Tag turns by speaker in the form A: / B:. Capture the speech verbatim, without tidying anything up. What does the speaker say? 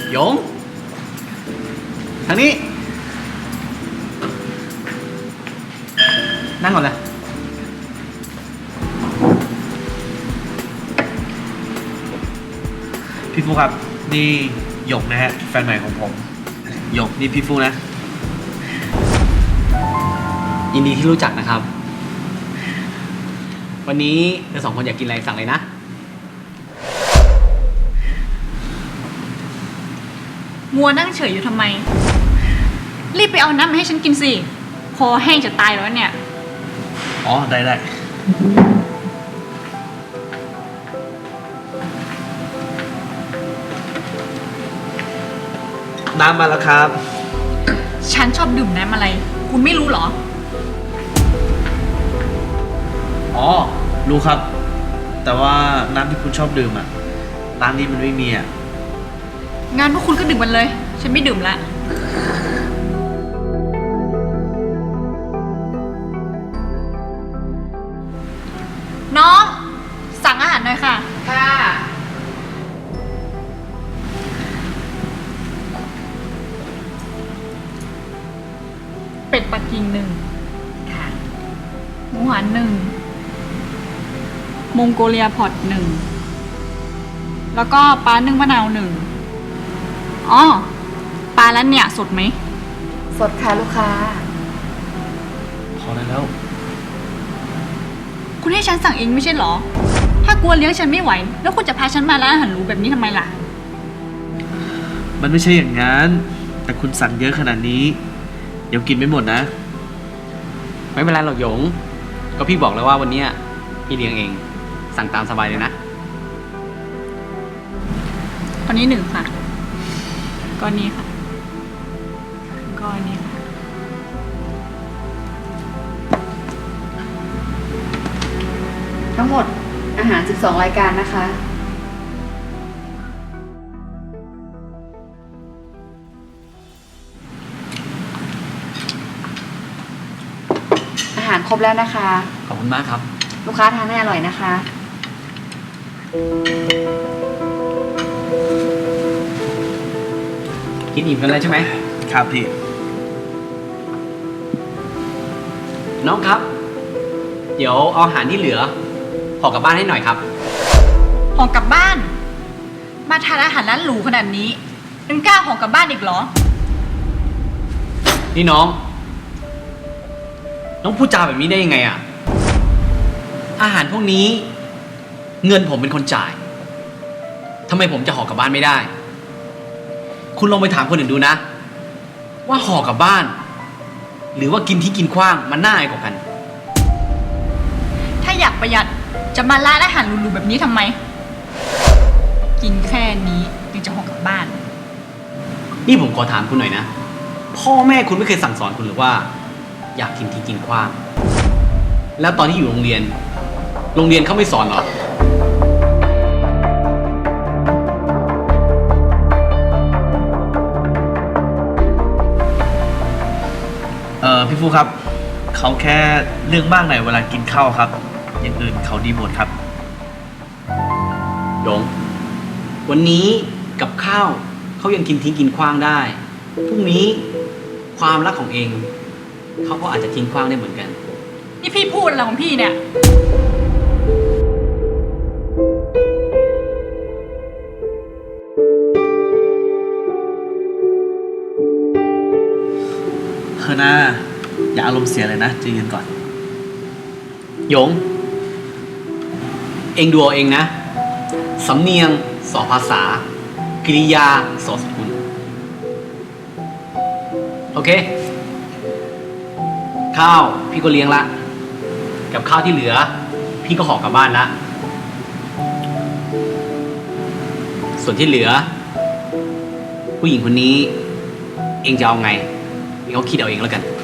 A: หยงทางนี้นั่งก่อนเลยพี่ฟูครับนี่หยกนะฮะแฟนใหม่ของผมหยกนี่พี่ฟูนะยินดีที่รู้จักนะครับวันนี้เธอสองคนอยากกินอะไรสั่งเลยนะ
B: มัวนั่งเฉยอยู่ทำไมรีบไปเอาน้ำมาให้ฉันกินสิคอแห้งจะตายแล้วเนี่ย
A: อ๋อได้ได้น้ำมาแล้วครับ
B: ฉันชอบดื่มน้ำอะไรคุณไม่รู้เหรอ
A: อ๋อรู้ครับแต่ว่าน้ำที่คุณชอบดื่มอ่ะร้านนี้มันไม่มีอ่ะ
B: งานพวกคุณก็ดื่มกันเลยฉันไม่ดื่มละน้องสั่งอาหารหน่อยค่ะค่ะเป็ดปักกิ่งหนึ่งค่ะหมูหันหนึ่งมองโกเลียพอตหนึ่งแล้วก็ปลานึ่งมะนาวหนึ่งอ๋อปลาแล้วเนี่ยสดไหม
C: สดค่ะลูกค้า
A: พอได้แล้ว
B: คุณให้ฉันสั่งเองไม่ใช่เหรอถ้ากลัวเลี้ยงฉันไม่ไหวแล้วคุณจะพาฉันมาร้านอาหารหรูแบบนี้ทำไมล่ะ
A: มันไม่ใช่อย่างนั้นแต่คุณสั่งเยอะขนาดนี้เดี๋ยวกินไม่หมดนะไม่เป็นไรหรอกหยงก็พี่บอกแล้วว่าวันนี้พี่เลี้ยงเองสั่งตามสบายเลยนะ
B: ก้อนนี้หนึ่งค่ะก้อนนี้ค่ะก้อนนี้ค่ะ
C: ทั้งหมดอาหารสิบสองรายการนะคะอาหารครบแล้วนะคะ
A: ขอบคุณมากครับ
C: ลูกค้าทานให้อร่อยนะคะ
A: กินอิ่มกันแล้วใช่ไหมครับพี่น้องครับเดี๋ยวเอาอาหารที่เหลือห่อกลับบ้านให้หน่อยครับ
B: ห่อกลับบ้านมาทานอาหารร้านหรูขนาดนี้ยังกล้าห่อกลับบ้านอีกเหรอ
A: นี่น้องน้องพูดจาแบบนี้ได้ยังไงอะอาหารพวกนี้เงินผมเป็นคนจ่ายทำไมผมจะห่อกลับบ้านไม่ได้คุณลองไปถามคนอื่นดูนะว่าห่อกลับบ้านหรือว่ากินที่กินขว้างมันน่าอายกว่ากัน
B: ถ้าอยากประหยัดจะมาร้านอาหารหรูๆแบบนี้ทำไมกินแค่นี้ยังจะห่อกลับบ้าน
A: นี่ผมขอถามคุณหน่อยนะพ่อแม่คุณไม่เคยสั่งสอนคุณหรือว่าอยากกินที่กินขว้างแล้วตอนที่อยู่โรงเรียนโรงเรียนเขาไม่สอนหรอเออพี่ฟูครับเขาแค่เรื่องมากหน่อยเวลากินข้าวครับอย่างอื่นเขาดีหมดครับหยงวันนี้กับข้าวเขายังกินทิ้งกินขว้างได้พรุ่งนี้ความรักของเองเขาก็อาจจะทิ้งขว้างได้เหมือนกัน
B: นี่พี่พูดอะไรของพี่เนี่ย
A: เฮ้ยนะอย่าอารมณ์เสียเลยนะใจเย็นก่อนหยงเองดูเอาเองนะสำเนียงสอภาษากริยาสอสกุลโอเคข้าวพี่ก็เลี้ยงละกับข้าวที่เหลือพี่ก็ห่อกลับบ้านละส่วนที่เหลือผู้หญิงคนนี้เองจะเอาไงเองก็คิดเอาเองแล้วกัน